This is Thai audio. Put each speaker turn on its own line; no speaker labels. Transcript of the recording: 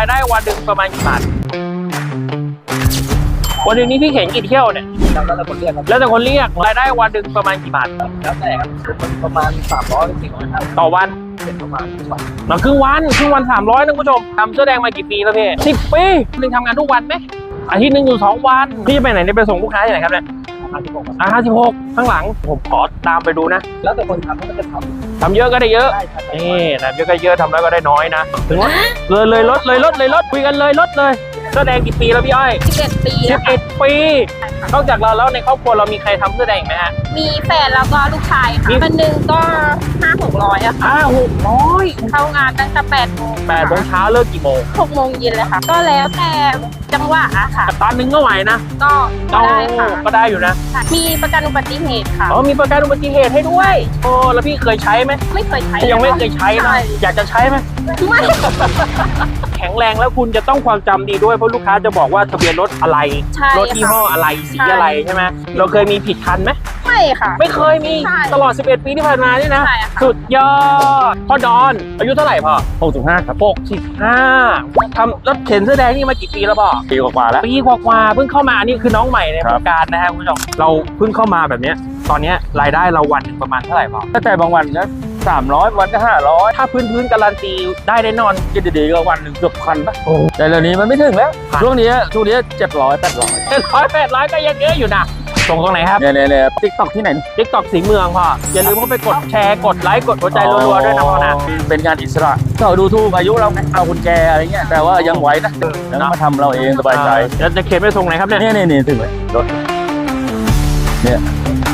รายได้วันหนึ่งประมาณกี่บาทวันหนึ่งนี้พี่เข็นกี่เที่ยวเนี่ย
แล้วแต่คนเรียกครับ
แล้วแต่คนเรียกรายได้วันหนึ่งประมาณกี่บาท
แล้วแต่ครับประมาณ300 ถึง 400ครับ
ต่อวัน
เป็นประมาณทุกวัน
หลังครึ่งวัน300นะคุณผู้ชมทำเสื้อแดงมากี่ปีแล้วพี่10 ปีนึงทำงานทุกวันไหมอาทิตย์หนึ่งอยู่2 วันพี่จะไปไหนเนี่ยไปส่งลูกค้าที่ไหนครับเนี่ย56ข้างหลังผมขอตามไปดูนะ
แล้วแต่คนทำก็จะทำ
เยอะก็ได้เยอะ
ได้ครับ
นี่นะเยอะก็เยอะทำแล้วก็ได้น้อยนะถึงว่าเลยลดคุยกันเลยลดเลยเสื้อแดงกี่ปีแล้วพี่อ้อย
11 ปีแล้วค่ะ
11 ปีนอกจากเราแล้วในครอบครัวเรามีใครทำเสื้อแดงอีกไหมฮะ
มีแฟนแล้วก็ลูกชาย
มี
ค่ะวันหนึ่งก็500-600อะค่ะ
600
เข้างานตั้งแต่8 โมง
8 โมงเช้าเลิกกี่โมง
6 โมงเย็นเลยค่ะ ก็แล้วแต่จังหวะอะค่ะ
ตอนนึงก็ไหวนะ
ก็ได้ค่ะ
ก็ได้อยู่นะ
มีประกันอุบัติเหตุค่ะ
อ๋อมีประกันอุบัติเหตุให้ด้วยโอ้แล้วพี่เคยใช้ไหม
ไม่เคยใช้
ยังไม่เคยใช้นะ
ใช่
อยากจะใช้ไหม
ไม่
แข็งแรงแล้วคุณจะต้องความจำดีด้วยเพราะลูกค้าจะบอกว่าทะเบียนรถอะไร
ใช่
รถยี่ห้ออะไรสีอะไรใช่ไหมเราเคยมีผิดคันไหม
ไม่ค่ะ
ไม่เคยมี
ใช่
ตลอด 11 ปีที่ผ่านมานี่นะ
ใช่ค่ะ
สุดยอดพ่อดอนอายุเท่าไหร่พ่อ65ครับ65ทำรถเข็นเสื้อแดงนี่มากี่ปีแล้วพ่อ
ปีกว่าแล้ว
ปีกว่าๆเพิ่งเข้ามาอันนี้คือน้องใหม่ในวงการนะฮะคุณผู้ชมเราเพิ่งเข้ามาแบบเนี้ยตอนเนี้ยรายได้เราวันหนึ่งประมาณเท่าไหร่พ่อ
ตั้งแต่บางวันก็300 วันก็500
ถ้าพื้นการันตีได้แน่นอน
กินดีๆก็วันหนึ่งเกือบพันปะ
โอ้
แต่เดี๋ยวนี้มันไม่ถึงแล้ว
พัน
ช่วงนี้700 800
700-800ก็ยังเยอะอยู่นะส่งตรงไหนครับ
เนี่ยติ๊กต็อกที่ไหน
TikTok สีเมืองพ่ออย่าลืมเข้าไปกดแชร์กดไลค์กดหัวใจรัวๆด้วยนะพ่อนะ
เป็นงานอิสระก็ดูถูกอายุเราไงเอาคนแก่อะไรเงี้ยแต่ว่ายังไหวนะแล้วมาทำเราเองสบายใจ
แล้วจะเข็นไปส่งไหนครับเนี่ย
นี่ถึงเลยรถเนี่ย